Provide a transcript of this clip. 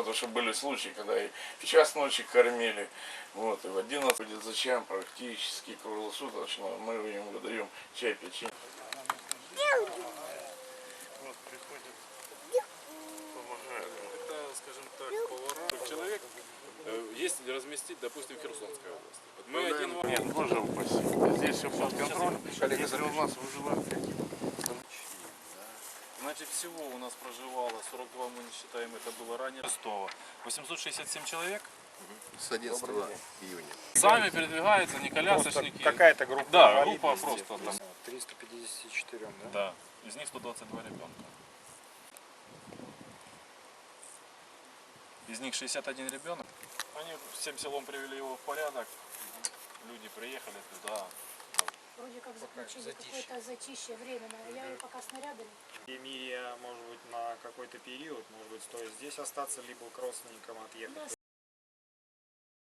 потому что были случаи, когда и в час ночи кормили, вот, и в 11 будет зачем практически круглосуточно мы им выдаем чай, печенье. Вот приходят, помогают. Это, скажем так, повара. Человек есть разместить, допустим, в Херсонской области. Вот мы один... Нет, боже упаси. Здесь все под контролем. Если у нас выживают какие-то... Значит, всего у нас проживало 42, мы не считаем, это было ранее. 867 человек. С 11 июня. Сами передвигаются, не колясочники. Какая-то группа. Да, группа просто там. 354, да? Да, из них 122 ребенка. Из них 61 ребенок. Они всем селом привели его в порядок. Люди приехали туда. Вроде как заключили какое-то затишье временное. Я ее пока снарядами. Эмилия, может быть, на какой-то период, может быть, стоит здесь остаться, либо к родственникам отъехать.